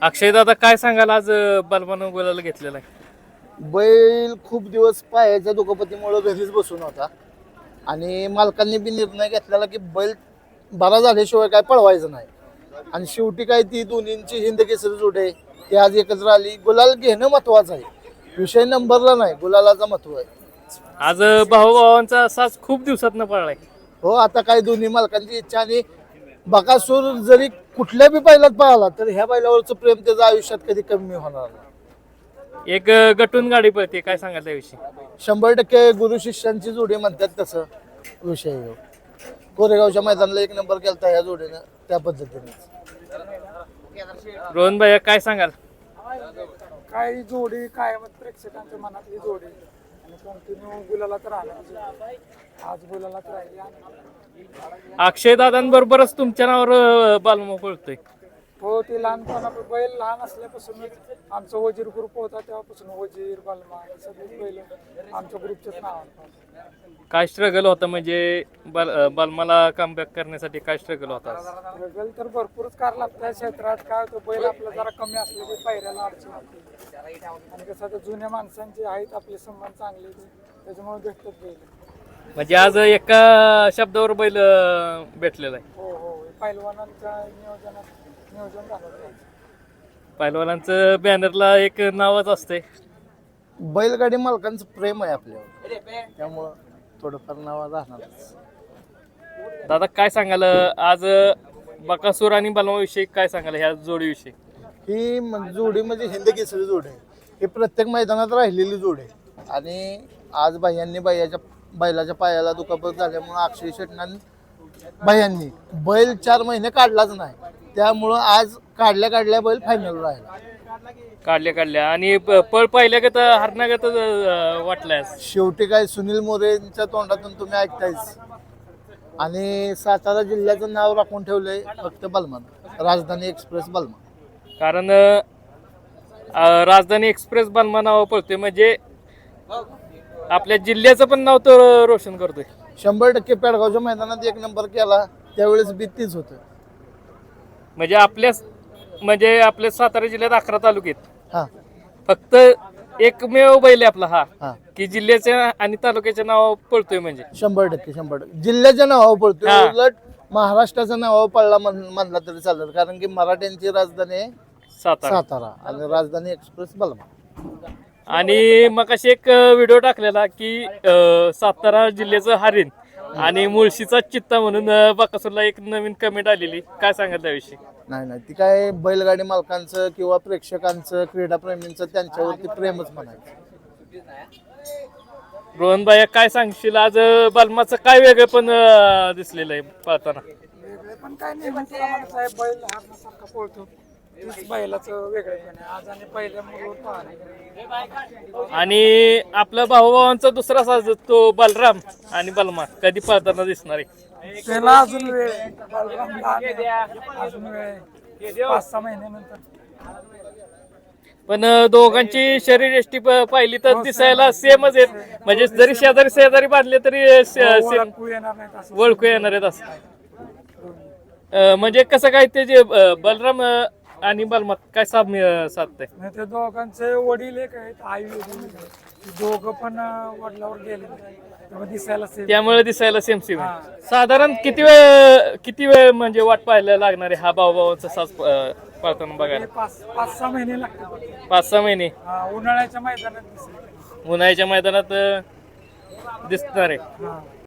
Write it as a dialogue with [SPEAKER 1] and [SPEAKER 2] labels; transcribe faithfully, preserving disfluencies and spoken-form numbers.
[SPEAKER 1] अक्षय दादा काय सांगाल आज बलवान गोलाला घेतलेला आहे?
[SPEAKER 2] बैल खूप दिवस पायाच्या दुखापतीमुळे घरीच बसून होता आणि मालकांनी बी निर्णय घेतलेला की बैल बरा झाल्याशिवाय काय पळवायचं नाही. आणि शेवटी काय ती दोन्हींची हिंद केसरी जोडे ती आज एकत्र आली. गुलाल घेणं महत्वाचं आहे, विषय नंबरला नाही, गुलालाचा महत्व आहे.
[SPEAKER 1] आज भाऊभावांचा साज खूप दिवसात न पळलाय.
[SPEAKER 2] हो, आता काय दोन्ही मालकांची इच्छा आणि बकासूर जरी कुठल्या बी बैलात पळाला तर ह्या बैलावरचं प्रेम त्याच्या आयुष्यात कधी कमी होणार नाही.
[SPEAKER 1] एक गटून गाडी पळते, काय सांगाल त्याविषयी?
[SPEAKER 2] शंभर टक्के गुरु शिष्यांची जोडी म्हणतात तसं विषय आहे. कोरेगावच्या मैदानाला एक नंबर केलता ह्या जोडीनं, त्या पद्धतीने.
[SPEAKER 1] रोहन भाई काय सांगाल?
[SPEAKER 3] काही जोडी कायम प्रेक्षकांच्या मनातली जोडी आणि कंटिन्यू गुलाला तर आला, आज गुलाला तर राहिली.
[SPEAKER 1] अक्षय दादांबरोबरच तुमच्या नावावर बालमा पळतोय.
[SPEAKER 3] हो, ते लहानपणापासून बैल लहान असल्यापासूनच आमचा वजीर ग्रुप होता, तेव्हापासून वजीर बलमा सगळे बैल आमच्या ग्रुपच्याच नावावर.
[SPEAKER 1] काय स्ट्रगल होता म्हणजे बल बलमाला कमबॅक करण्यासाठी काय स्ट्रगल होता?
[SPEAKER 3] स्ट्रगल तर भरपूरच कार लागतं या क्षेत्रात. काय होतं, बैल आपला जरा कमी असले की पायऱ्याला अडचण होते आणि कसं आता जुन्या माणसांचे आहेत आपले संबंध चांगले, त्याच्यामुळे भेटतात बैल.
[SPEAKER 1] म्हणजे आज एका शब्दावर बैल भेटलेला आहे.
[SPEAKER 3] हो हो, पैलवानांच्या नियोजनात नियोजन झालं.
[SPEAKER 1] पहिलवानांचं बॅनरला एक नावच असते.
[SPEAKER 2] बैलगाडी मालकांचं प्रेम आहे आपल्यावर, त्यामुळं थोडंफार नाव राहणारच.
[SPEAKER 1] दादा काय सांगाल आज बकासूर आणि बलमाविषयी, काय सांगाल ह्या जोडीविषयी?
[SPEAKER 2] ही म्हण- जोडी म्हणजे हिंद केसरी जोडी आहे. ही प्रत्येक मैदानात राहिलेली जोडी आहे. आणि आज बाह्यांनी बाह्याच्या बैलाच्या पायाला दुखापत झाल्यामुळं अक्षय शेटनान बाह्यांनी बैल चार महिने काढलाच नाही, त्यामुळं आज काढल्या काढल्या बैल फायनल राहिला.
[SPEAKER 1] काढल्या काढल्या आणि प- पळ पाहिल्यागत हरणागत वाटलाय.
[SPEAKER 2] शेवटी काय सुनील मोरेंच्या तोंडातून तुम्ही ऐकतायच. आणि सातारा जिल्ह्याचं नाव राखून ठेवलंय फक्त बलमान, राजधानी एक्सप्रेस बलमान.
[SPEAKER 1] कारण अं, राजधानी एक्सप्रेस बलमा नाव पळतोय म्हणजे आपल्या जिल्ह्याचं पण नाव तो रोशन करतोय.
[SPEAKER 2] शंभर टक्के पेडगावच्या मैदानात एक नंबर केला त्यावेळेस भीतीच होतं.
[SPEAKER 1] म्हणजे आपल्या म्हणजे आपल्या सातारा जिल्ह्यात अकरा तालुक्यात
[SPEAKER 2] हा
[SPEAKER 1] फक्त एकमेव बैल आहे आपला हा,
[SPEAKER 2] हा
[SPEAKER 1] की जिल्ह्याच्या आणि तालुक्याच्या नाव पळतोय. म्हणजे
[SPEAKER 2] शंभर टक्के शंभर टक्के जिल्ह्याच्या नावावर पडतोय.
[SPEAKER 1] हा.
[SPEAKER 2] उलट महाराष्ट्राच्या नावावर पडला म्हण- म्हणला तरी चालेल, कारण की मराठ्यांची राजधानी आहे
[SPEAKER 1] सातारा.
[SPEAKER 2] सातारा आणि राजधानी एक्सप्रेस बलमा.
[SPEAKER 1] आणि मग अशी एक व्हिडिओ टाकलेला की अं, सातारा जिल्ह्याचं हरिण आणि मुळशीचा चित्ता म्हणून अं, बकासूरला एक नवीन कमेंट आलेली, काय सांगाल त्याविषयी?
[SPEAKER 2] नाही नाही, ती काय बैलगाडी मालकांचं किंवा प्रेक्षकांचं क्रीडाप्रेमींचं त्यांच्यावरती प्रेमच म्हणायचं.
[SPEAKER 1] रोहन भाई काय सांगशील आज बलमाचं काय वेगळं पण अं, दिसलेलं आहे पळताना?
[SPEAKER 3] वेगळे पण काय नाही म्हणजे साहेब, बैल हारण्यासारखा पळतो, तीच बैलाचं वेगळेपण आहे आज आणि पहिल्या मुलं पाहणे.
[SPEAKER 1] आणि आपल्या भाऊभावांचा दुसरा साज तो बलराम आणि बलमा कधी पळताना दिसणार आहे?
[SPEAKER 3] त्याला अजून वेळ आहे. बलराम लहान आहे, अजून वेळ आहे, पाच सहा महिन्यानंतर.
[SPEAKER 1] पण अं, दोघांची शरीर यष्टी प- पाहिली तर दिसायला सेमच आहेत. म्हणजे जरी शेजारी शेजारी बांधले तरी सेम
[SPEAKER 3] ओळखू येणार नाही असं.
[SPEAKER 1] ओळखू येणार आहेत असं. अं, म्हणजे कसं काय ते जे अं, बलराम अं, आणि बलमा काय साम्य साधतंय?
[SPEAKER 3] नाही, ते दोघांचे वडील एक आहेत, आई वडील एक आहेत. ते दोघं पण अं, वडिलावर गेले, तेव्हा दिसायला same.
[SPEAKER 1] त्यामुळे दिसायला सेम सेम
[SPEAKER 3] हा.
[SPEAKER 1] साधारण किती वेळ किती वेळ म्हणजे वाट पाहायला लागणार आहे हा भाऊभावांचा साज अं, पळताना बघायला?
[SPEAKER 3] हे पाच पाच सहा महिने लागतात.
[SPEAKER 1] पाच सहा महिने
[SPEAKER 3] हा, उन्हाळ्याच्या मैदानात दिसेल.
[SPEAKER 1] उन्हाळ्याच्या मैदानात अं, दिसणार आहे.
[SPEAKER 3] हा.